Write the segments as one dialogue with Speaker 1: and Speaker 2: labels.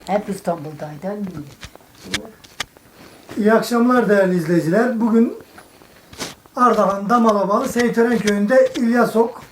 Speaker 1: Hep İstanbul'daydı.
Speaker 2: İyi akşamlar değerli izleyiciler. Bugün Ardahan Damalabalı Seytören Köyü'nde İlyas Ok,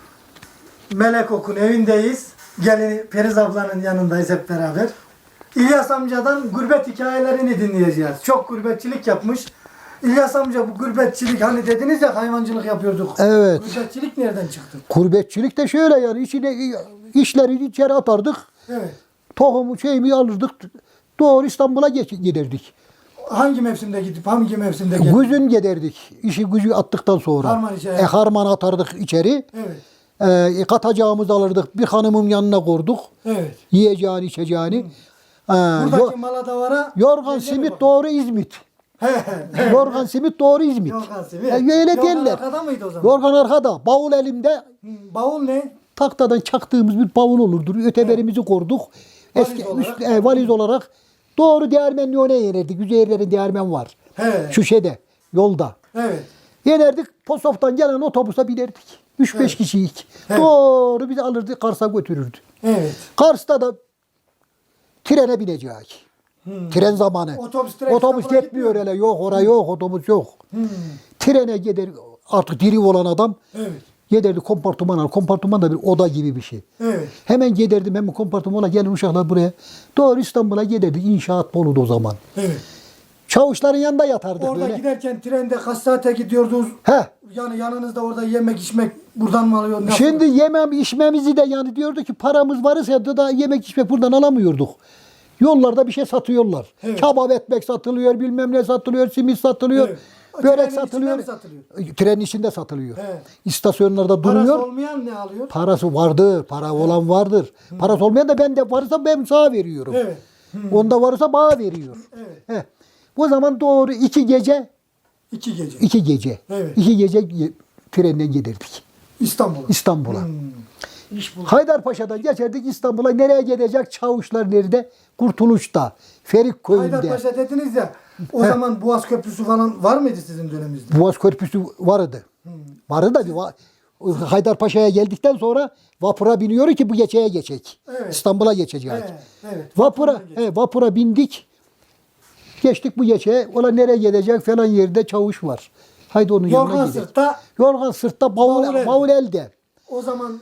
Speaker 2: Melek Ok'un evindeyiz. Gelini Periz ablanın yanındayız hep beraber. İlyas amcadan gurbet hikayelerini dinleyeceğiz. Çok gurbetçilik yapmış. İlyas amca, bu gurbetçilik, hani dediniz ya hayvancılık yapıyorduk.
Speaker 3: Evet.
Speaker 2: Gurbetçilik nereden çıktı?
Speaker 3: Gurbetçilik de şöyle yani işleri içeri atardık.
Speaker 2: Evet.
Speaker 3: Tohumu şeyimi alırdık. Doğru İstanbul'a giderdik.
Speaker 2: Hangi mevsimde gidip hangi mevsimde geldik?
Speaker 3: Güzün giderdik. İşi gücü attıktan sonra.
Speaker 2: Harman içeri.
Speaker 3: Harman atardık içeri.
Speaker 2: Evet.
Speaker 3: Katacağımızı alırdık. Bir hanımın yanına korduk.
Speaker 2: Evet.
Speaker 3: Yiyeceğini, içeceğini.
Speaker 2: Buradaki Maladavara
Speaker 3: Yorgan simit doğru İzmit. Yorgan simit doğru İzmit.
Speaker 2: Yorgan simit.
Speaker 3: Öyle
Speaker 2: Yorgan
Speaker 3: derler.
Speaker 2: arkada mıydı o zaman?
Speaker 3: Yorgan arkada. Bavul elimde.
Speaker 2: Bavul ne?
Speaker 3: Taktadan çaktığımız bir bavul olurdu. Öteberimizi korduk.
Speaker 2: Valiz olarak.
Speaker 3: Valiz olarak doğru değirmenli öne yenerdik. Üzerlerinde değirmen var.
Speaker 2: He.
Speaker 3: Şu şeyde, yolda.
Speaker 2: Evet.
Speaker 3: Yenerdik. Posof'tan gelen otobüse binerdik. 3-5
Speaker 2: Evet.
Speaker 3: kişiyik.
Speaker 2: Evet.
Speaker 3: Doğru bizi alırdı, Kars'a götürürdü.
Speaker 2: Evet.
Speaker 3: Kars'ta da trene binecek. Tren zamanı.
Speaker 2: Otobüs
Speaker 3: Otobüs
Speaker 2: İstanbul'a
Speaker 3: yetmiyor
Speaker 2: gitmiyor.
Speaker 3: hele. Yok oraya yok. Otobüs yok. Trene gider. Artık diri olan adam
Speaker 2: Evet.
Speaker 3: giderdi kompartımana. Kompartıman da bir oda gibi bir şey.
Speaker 2: Evet.
Speaker 3: Hemen giderdim hemen kompartımana, gelin uşaklar buraya. Doğru İstanbul'a giderdik. İnşaat Bolu'da o zaman.
Speaker 2: Evet.
Speaker 3: Çavuşların yanında yatardık
Speaker 2: Orada
Speaker 3: böyle.
Speaker 2: giderken trende kaç saate gidiyordunuz?
Speaker 3: He.
Speaker 2: Yani yanınızda orada yemek içmek buradan mı alıyor? Nasıl?
Speaker 3: Şimdi yemem içmemizi de yani diyordu ki paramız varsa da yemek içmek buradan alamıyorduk. Yollarda bir şey satıyorlar.
Speaker 2: Evet.
Speaker 3: Kebap ekmek satılıyor, bilmem ne satılıyor, simit satılıyor,
Speaker 2: Evet.
Speaker 3: börek
Speaker 2: Trenin içinde
Speaker 3: satılıyor.
Speaker 2: mi satılıyor?
Speaker 3: Trenin içinde satılıyor.
Speaker 2: Evet.
Speaker 3: İstasyonlarda
Speaker 2: Parası
Speaker 3: duruyor.
Speaker 2: olmayan ne alıyor?
Speaker 3: Parası vardır, para olan vardır. Parası olmayan da ben de varsa ben sana veriyorum.
Speaker 2: Evet.
Speaker 3: Onda varsa bana veriyor.
Speaker 2: Evet.
Speaker 3: Heh. O zaman doğru 2 gece,
Speaker 2: 2 gece.
Speaker 3: 2 gece,
Speaker 2: Evet.
Speaker 3: 2 gece trenden giderdik
Speaker 2: İstanbul'a.
Speaker 3: İstanbul'a.
Speaker 1: İş buldu.
Speaker 3: Haydarpaşa'dan geçerdik İstanbul'a. Nereye gidecek? Çavuşlar nerede? Kurtuluş'ta, Ferikköy'ünde.
Speaker 2: Haydarpaşa dediniz ya. O zaman Boğaz Köprüsü falan var mıydı sizin döneminizde?
Speaker 3: Boğaz Köprüsü vardı. Vardı da Haydarpaşa'ya geldikten sonra vapura biniyor ki bu geçeye geçecek.
Speaker 2: Evet.
Speaker 3: İstanbul'a geçecek.
Speaker 2: Evet. Evet.
Speaker 3: Vapura bindik. Geçtik bu geçeye. Ola nereye gidecek falan yerde çavuş var. Haydi onun yanına
Speaker 2: Yorgan
Speaker 3: gidelim.
Speaker 2: sırtta.
Speaker 3: Yorgan sırtta bavul elde.
Speaker 2: O zaman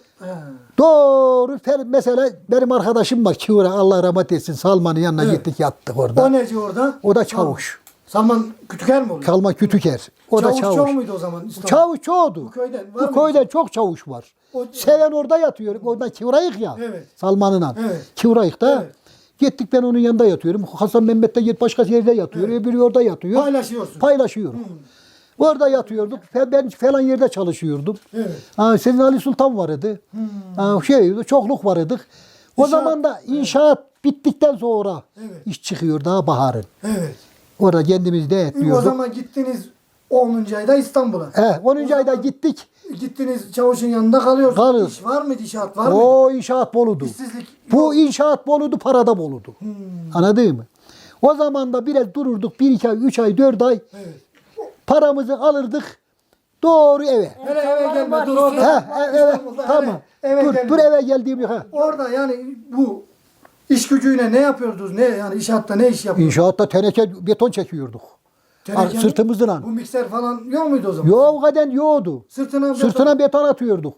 Speaker 3: Doğru mesela benim arkadaşım var Kiura, Allah rahmet etsin, Salman'ın yanına gittik yattık orada.
Speaker 2: o neci orada?
Speaker 3: O da çavuş.
Speaker 2: Salman Kütüker mi oluyor?
Speaker 3: Kalma Kütüker. O da
Speaker 2: Çavuş
Speaker 3: çavuş.
Speaker 2: çoğu muydu o zaman İstanbul'da?
Speaker 3: Çavuş çoğdu.
Speaker 2: Bu köyden var
Speaker 3: Bu
Speaker 2: mıydı?
Speaker 3: köyden çok çavuş var.
Speaker 2: O-
Speaker 3: Seven orada yatıyor. Oradan Kivrayık ya.
Speaker 2: Evet.
Speaker 3: Salman'ınla.
Speaker 2: Evet.
Speaker 3: Kivrayık'ta.
Speaker 2: Evet.
Speaker 3: Gittik ben onun yanında yatıyorum. Hasan Mehmet de git başka yerde yatıyor. Öbürü orada yatıyor.
Speaker 2: Paylaşıyorsun.
Speaker 3: Paylaşıyorum. Orada yatıyorduk. Ben falan yerde çalışıyordum.
Speaker 2: Evet.
Speaker 3: Senin Ali Sultan vardı. Çokluk vardık. O
Speaker 2: İnşaat-
Speaker 3: zaman da inşaat bittikten sonra
Speaker 2: Evet.
Speaker 3: iş çıkıyor daha baharın.
Speaker 2: Evet.
Speaker 3: Orada kendimiz de
Speaker 2: O
Speaker 3: etliyorduk.
Speaker 2: zaman gittiniz 10. ayda İstanbul'a.
Speaker 3: 10. ayda gittik.
Speaker 2: Gittiniz çavuşun yanında kalıyorsunuz.
Speaker 3: Kalıyoruz.
Speaker 2: İş var mıydı? İnşaat var mıydı?
Speaker 3: O inşaat Bolu'du.
Speaker 2: İşsizlik
Speaker 3: Bu inşaat Bolu'du, parada Bolu'du. Anladın mı? O zaman da biraz dururduk. 1-2 ay, 3 ay, 4 ay.
Speaker 2: Evet.
Speaker 3: Paramızı alırdık. Doğru eve.
Speaker 2: Hele eve gelme dur
Speaker 3: He,
Speaker 2: orada.
Speaker 3: eve,
Speaker 2: İstanbul'da
Speaker 3: tamam.
Speaker 2: eve
Speaker 3: Dur
Speaker 2: gelme.
Speaker 3: eve geldiğim
Speaker 2: Orada yani bu iş gücüyle ne yapıyordunuz? Ne yani inşaatta ne iş yapıyordunuz?
Speaker 3: İnşaatta teneke beton çekiyorduk.
Speaker 2: Teneke mi?
Speaker 3: Sırtımızla.
Speaker 2: Bu mikser falan yok muydu o zaman?
Speaker 3: Yok kadar yoktu.
Speaker 2: Sırtına
Speaker 3: Beton atıyorduk.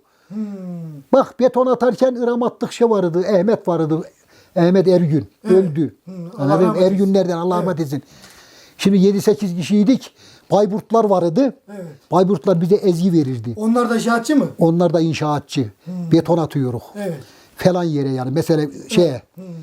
Speaker 3: Bak beton atarken ıramatlık şey vardı. Ahmet vardı. Ahmet Ergün. Öldü.
Speaker 2: Allah
Speaker 3: Anladın mı?
Speaker 2: rahmet eylesin.
Speaker 3: Ergünlerden Allah rahmet etsin. Şimdi 7-8 kişiydik. Bayburtlar vardı.
Speaker 2: Evet.
Speaker 3: Bayburtlar bize ezgi verirdi.
Speaker 2: Onlar da inşaatçı mı?
Speaker 3: Onlar da inşaatçı. Beton atıyoruz.
Speaker 2: Evet.
Speaker 3: Falan yere yani. Mesela şeye.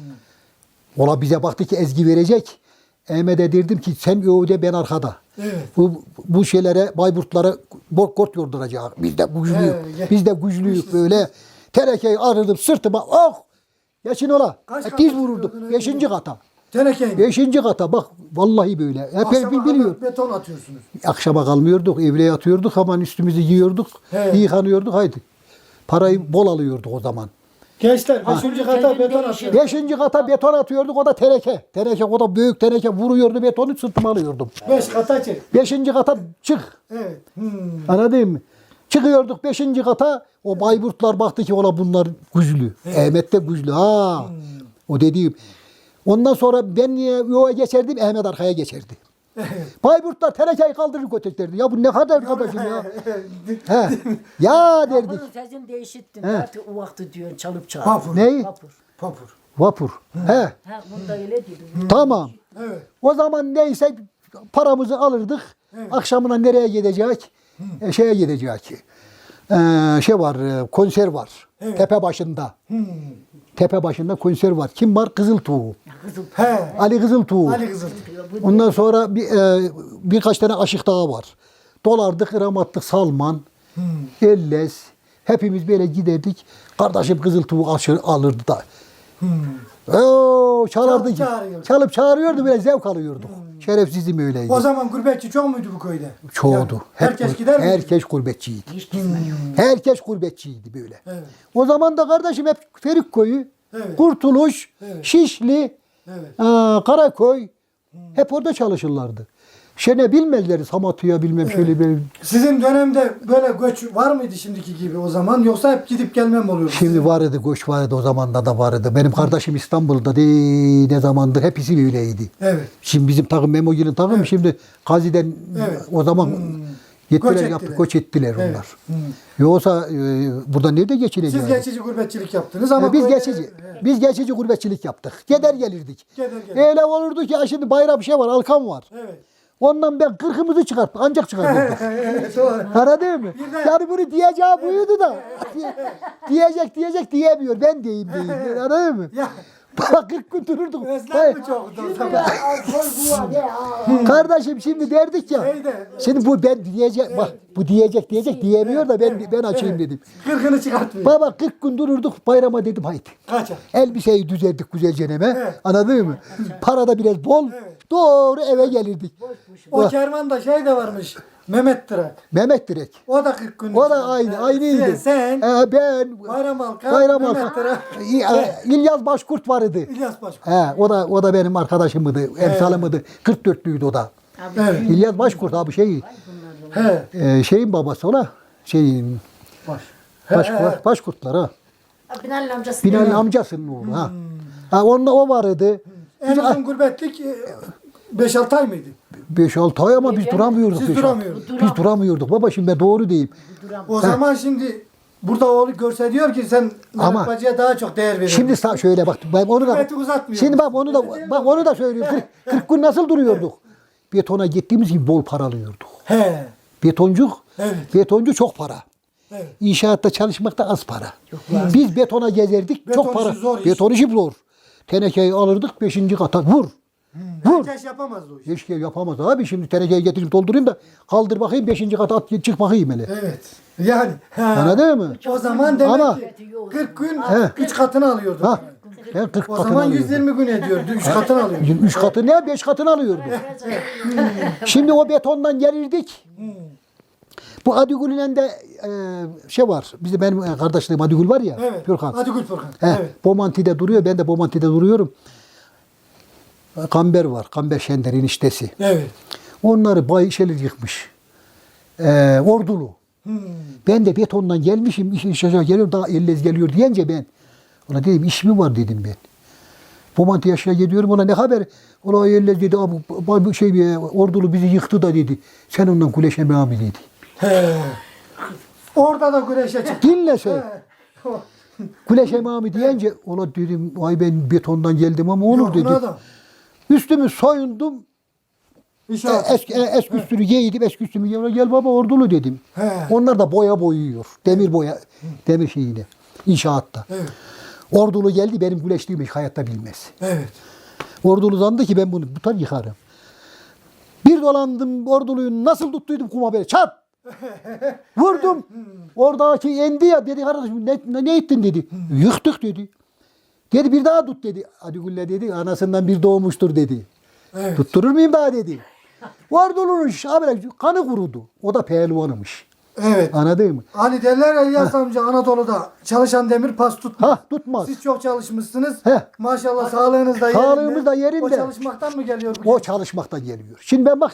Speaker 3: Ola bize baktı ki ezgi verecek. Ahmet'e derdim ki sen öde ben arkada.
Speaker 2: Evet.
Speaker 3: Bu şeylere Bayburtlara kort yorduracak. Biz de güçlüyük.
Speaker 2: Evet.
Speaker 3: Biz de güçlüyük böyle. Tenekeyi arırdım sırtıma. Oh! Yaşın ola.
Speaker 2: Kaç kat
Speaker 3: Diz vururdum.
Speaker 2: atıyordun
Speaker 3: 5.
Speaker 2: öyle?
Speaker 3: kata.
Speaker 2: Teneke.
Speaker 3: 5. kata bak vallahi böyle. Hep
Speaker 2: Akşama
Speaker 3: biliyor.
Speaker 2: kadar beton atıyorsunuz.
Speaker 3: Akşama kalmıyorduk. Evle yatıyorduk. Hemen üstümüzü giyiyorduk.
Speaker 2: Evet.
Speaker 3: Yıkanıyorduk. Haydi. Parayı bol alıyorduk o zaman.
Speaker 2: Gençler 5. kata beton atıyor.
Speaker 3: 5. kata beton atıyorduk. O da teneke. Teneke o da büyük teneke vuruyordu betonu sırtıma alıyordum.
Speaker 2: 5 kata çek.
Speaker 3: 5. kata çık.
Speaker 2: Evet.
Speaker 3: Anladın mı? Çıkıyorduk 5. kata. O Bayburtlar baktı ki ola bunlar güçlü. Ahmet de güçlü. Ha. O dediğim Ondan sonra ben yola geçerdim, Ahmet arkaya geçerdi. Bayburtlar tenekeyi kaldırır götürürlerdi. Ya bu ne kadar kardeşim ya. He. Ya derdik.
Speaker 1: Vapurun sesini değişittin.
Speaker 3: He.
Speaker 1: Artık o vakti diyorsun çalıp çağır.
Speaker 2: Vapur.
Speaker 3: Neyi?
Speaker 1: Vapur.
Speaker 2: Papur.
Speaker 3: Vapur. He.
Speaker 1: Ha, bunda öyle dedim.
Speaker 3: Tamam.
Speaker 2: Evet.
Speaker 3: O zaman neyse paramızı alırdık. Akşamına nereye gidecek? Şeye gidecek. Şey var, konser var. Tepe başında. Tepe başında konser var. Kim var? Kızıltuğ.
Speaker 1: Kızıl.
Speaker 2: He.
Speaker 3: Ali Kızıltuğ.
Speaker 2: Ali Kızıl.
Speaker 3: Ondan sonra birkaç tane aşık dağı var. Dolardık, ıramattık, Salman, Elles. Hepimiz böyle giderdik. Kardeşim Kızıltuğ alırdı da. Oo, çalardı.
Speaker 2: Çalıp çağırıyordu.
Speaker 3: Çalıp çağırıyordu, böyle zevk alıyorduk. Şerefsizim öyleydi.
Speaker 2: O zaman gurbetçi çok muydu bu köyde?
Speaker 3: Çoğdu.
Speaker 2: Yani herkes gider miydi?
Speaker 3: Herkes gurbetçiydi.
Speaker 1: Hiç gitmiyor.
Speaker 3: Herkes gurbetçiydi böyle.
Speaker 2: Evet.
Speaker 3: O zaman da kardeşim hep Ferikköy'ü,
Speaker 2: Evet.
Speaker 3: Kurtuluş,
Speaker 2: Evet.
Speaker 3: Şişli,
Speaker 2: Evet.
Speaker 3: Karaköy hep orada çalışırlardı. Şene bilmezler Samatya'ya bilmem şöyle böyle.
Speaker 2: Sizin dönemde böyle göç var mıydı şimdiki gibi o zaman? Yoksa hep gidip gelmem oluyordu?
Speaker 3: Şimdi vardı, göç vardı, o zamanda da vardı. Benim kardeşim İstanbul'da ne zamandır hepsi öyleydi.
Speaker 2: Evet.
Speaker 3: Şimdi bizim takım Memo'nun takım şimdi Gazi'den
Speaker 2: Evet.
Speaker 3: o zaman
Speaker 2: Göç
Speaker 3: gittiler
Speaker 2: ettiler.
Speaker 3: yaptık, göç ettiler
Speaker 2: Evet.
Speaker 3: onlar. Yoksa burada nerede geçineceğiz?
Speaker 2: Siz geçici gurbetçilik yaptınız ama
Speaker 3: Biz
Speaker 2: köyde-
Speaker 3: geçici, biz geçici gurbetçilik yaptık. Gider gelirdik.
Speaker 2: Gider gelirdik.
Speaker 3: Öyle olurdu ki ya şimdi bayram bir şey var, Alkan var.
Speaker 2: Evet.
Speaker 3: Ondan ben kırkımızı çıkarttık, ancak çıkarttık.
Speaker 2: Evet, doğru.
Speaker 3: Anladın mı?
Speaker 2: Bir de-
Speaker 3: Yani bunu diyeceği buydu da. diyecek diyemiyor. Ben diyeyim. Anladın mı?
Speaker 2: Ya
Speaker 3: Bak 40 gün dururduk.
Speaker 2: özlem mi çoktu o zaman?
Speaker 1: Alkol bu var ya.
Speaker 3: Kardeşim şimdi derdik ya.
Speaker 2: Şeyde-
Speaker 3: Şimdi bu ben diyecek, bak bu diyecek diyemiyor da ben açayım dedim.
Speaker 2: Kırkını çıkartmıyor.
Speaker 3: Baba 40 gün dururduk, bayrama dedim haydi.
Speaker 2: Kaça?
Speaker 3: Elbiseyi düzerdik güzelce neme.
Speaker 2: Evet.
Speaker 3: Anladın mı? Para da biraz bol.
Speaker 2: Evet.
Speaker 3: Doğru eve gelirdik.
Speaker 2: O kervanda şey de varmış. Mehmet Tırak.
Speaker 3: Mehmet Direk.
Speaker 2: O da 40 gün.
Speaker 3: O da aynıydı.
Speaker 2: Sen,
Speaker 3: Ben
Speaker 2: Bayram Alkan,
Speaker 3: Bayram
Speaker 2: Mehmet
Speaker 3: Alkan.
Speaker 2: Tırak.
Speaker 3: İlyas Başkurt vardı.
Speaker 2: İlyas Başkan.
Speaker 3: O da benim arkadaşımdı, emsalımdı. 44'lüydü o da.
Speaker 2: Evet.
Speaker 3: İlyas Başkurt abi
Speaker 2: He.
Speaker 3: şeyin babası ola. Şeyin
Speaker 2: Baş.
Speaker 3: Başkurtlar ha.
Speaker 1: Binali amcası.
Speaker 3: Binali amcasının oğlu ha. Ha onunla o vardı.
Speaker 2: En uzun gurbetlik 5-6 ay mıydı?
Speaker 3: 5-6 ay ama biz duramıyorduk.
Speaker 2: Siz
Speaker 3: 5-6.
Speaker 2: duramıyordunuz.
Speaker 3: Biz duramıyorduk. Baba şimdi ben doğru diyeyim.
Speaker 2: O zaman şimdi burada oğlu görse diyor ki sen
Speaker 3: Ama-
Speaker 2: Mehmet Bacı'ya daha çok değer veriyorsun.
Speaker 3: Şimdi şöyle bak ben onu da
Speaker 2: Gurbeti uzatmıyor.
Speaker 3: şimdi bak onu da söylüyorum. 40 gün nasıl duruyorduk? Betona gittiğimiz gibi bol para alıyorduk.
Speaker 2: He.
Speaker 3: Betoncuk,
Speaker 2: Evet.
Speaker 3: betoncu çok para.
Speaker 2: Evet.
Speaker 3: İnşaatta çalışmakta az para. Biz betona gezerdik,
Speaker 2: Beton
Speaker 3: çok para.
Speaker 2: işi zor iş.
Speaker 3: Beton işi zor. Tenekeyi alırdık 5. kata vur. Vur.
Speaker 2: Herkes yapamazdı o işi.
Speaker 3: Hiç yapamaz abi. Şimdi tenekeyi getirip doldurayım da kaldır bakayım 5. kata at çık bakayım hele.
Speaker 2: Evet. Yani. he.
Speaker 3: Anladın mı?
Speaker 2: O zaman demek
Speaker 3: Ama-
Speaker 2: ki 40 gün
Speaker 3: He.
Speaker 2: 3 katını alıyordu.
Speaker 3: Ha. Ben 40
Speaker 2: O
Speaker 3: katını
Speaker 2: zaman
Speaker 3: alıyordum.
Speaker 2: 120 gün ediyordu. 3 katını alıyordu.
Speaker 3: 3 katı ne? 5 katını alıyordum. Şimdi o betondan gelirdik. Bu Adigül'ün de şey var. Bizim benim kardeşlerim Adigül var ya.
Speaker 2: Evet.
Speaker 3: Gürkan.
Speaker 2: Hadi Gül Furkan.
Speaker 3: He,
Speaker 2: Evet.
Speaker 3: Bomonti'de duruyor. Ben de Bomonti'de duruyorum. Kamber var. Kamber Şender'in eniştesi.
Speaker 2: Evet.
Speaker 3: Onları şeyler yıkmış. Ordulu. Ben de betondan gelmişim. İş aşağı geliyor. Daha ellez geliyor deyince ben. Ona dedim iş mi var dedim ben. Bomonti yaşına gidiyorum. Ona ne haber? Ona ellez dedi. Abi, Ordulu bizi yıktı da dedi. Sen ondan kuleşeme mi dedi.
Speaker 2: He. Orada da güreşe çıktı.
Speaker 3: Dinle sen.
Speaker 2: He.
Speaker 3: Kuleş emami deyince ona dedim ay ben betondan geldim ama olur
Speaker 2: Yok,
Speaker 3: dedi.
Speaker 2: ona da.
Speaker 3: Üstümü soyundum.
Speaker 2: İnşallah.
Speaker 3: Eski üstünü giydim. Eski üstümü giydim. Gel baba ordulu dedim.
Speaker 2: He.
Speaker 3: Onlar da boya boyuyor. Demir boya. Demir şeyini. İnşaatta.
Speaker 2: Evet.
Speaker 3: Ordulu geldi benim güleştiğimi hayatta bilmez.
Speaker 2: Evet.
Speaker 3: Ordulu zandı ki ben bunu tutar yıkarım. Bir dolandım orduluyu nasıl tuttuydum kuma böyle çat. Vurdum. Oradaki endi ya dedi kardeşim ne ettin dedi. Yıktık dedi. Dedi bir daha tut dedi. Hadi Gülle dedi anasından bir doğmuştur dedi.
Speaker 2: Evet.
Speaker 3: Tutturur muyum daha dedi. Ordulunun abi kanı kurudu. O da pehlivanımış.
Speaker 2: Evet.
Speaker 3: Anladın mı?
Speaker 2: Hani derler ya İlyas amca Anadolu'da çalışan demir pas tutmaz.
Speaker 3: Ha tutmaz.
Speaker 2: Siz çok çalışmışsınız.
Speaker 3: He.
Speaker 2: Maşallah sağlığınız da yerinde.
Speaker 3: Sağlığımız da yerinde.
Speaker 2: O çalışmaktan mı geliyor bu?
Speaker 3: O çalışmaktan geliyor. Şimdi ben bak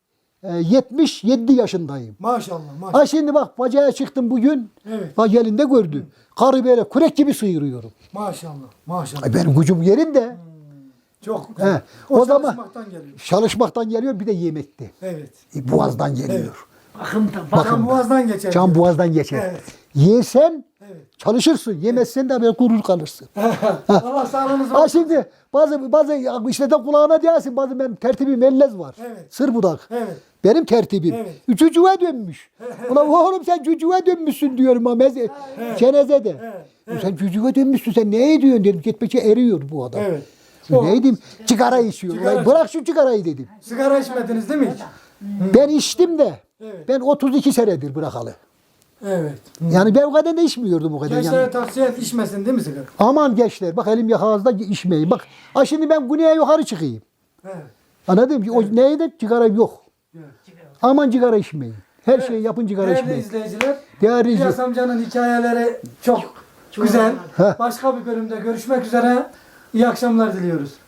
Speaker 3: 77 yaşındayım.
Speaker 2: Maşallah maşallah.
Speaker 3: Ha şimdi bak bacaya çıktım bugün.
Speaker 2: Evet.
Speaker 3: Bak elinde gördü. Karı böyle kürek gibi sıyırıyorum.
Speaker 2: Maşallah maşallah.
Speaker 3: Ay benim gücüm yerinde.
Speaker 2: Çok güzel.
Speaker 3: He, o zaman
Speaker 2: çalışmaktan geliyor.
Speaker 3: çalışmaktan geliyor bir de yemekte.
Speaker 2: Evet.
Speaker 3: Boğazdan geliyor.
Speaker 2: Evet.
Speaker 1: Bakımda.
Speaker 2: Kan boğazdan geçer.
Speaker 3: Can boğazdan geçer.
Speaker 2: Evet.
Speaker 3: Yersen
Speaker 2: Evet.
Speaker 3: çalışırsın. Yemezsen de böyle kurur kalırsın.
Speaker 2: Allah sağlığınızı
Speaker 3: Ha şimdi bazı işte de kulağına diyorsun bazı benim tertibim ellez var.
Speaker 2: Evet.
Speaker 3: Sır budak.
Speaker 2: Evet.
Speaker 3: Benim tertibim.
Speaker 2: Evet.
Speaker 3: Cücüğe dönmüş. Ulan oğlum sen cücüğe dönmüşsün diyorum ama cenazede. Sen cücüğe dönmüşsün sen ne ediyorsun dedim. Gitmekçe eriyor bu adam.
Speaker 2: Evet.
Speaker 3: Ne edeyim? Sigara içiyor.
Speaker 2: Sigara
Speaker 3: Ulan bırak şu sigarayı dedim.
Speaker 2: Sigara içmediniz değil mi hiç?
Speaker 3: Ben içtim de.
Speaker 2: Evet.
Speaker 3: Ben 32 senedir bırakalı.
Speaker 2: Evet.
Speaker 3: Yani ben o kadar da içmiyordum o kadar.
Speaker 2: Gençlere
Speaker 3: Yani.
Speaker 2: tavsiye et içmesin değil mi sigara?
Speaker 3: Aman gençler bak elim yakağızda içmeyin. Bak ha şimdi ben güneye yukarı çıkayım.
Speaker 2: Evet.
Speaker 3: Anladın mı? O neydi? Sigara yok.
Speaker 2: Evet.
Speaker 3: Aman sigara içmeyin. Her şeyi yapın sigara
Speaker 2: Değerli
Speaker 3: içmeyin.
Speaker 2: izleyiciler,
Speaker 3: Değerli
Speaker 2: İlyas
Speaker 3: izleyiciler.
Speaker 2: amcanın hikayeleri çok güzel.
Speaker 3: Heh.
Speaker 2: Başka bir bölümde görüşmek üzere. İyi akşamlar diliyoruz.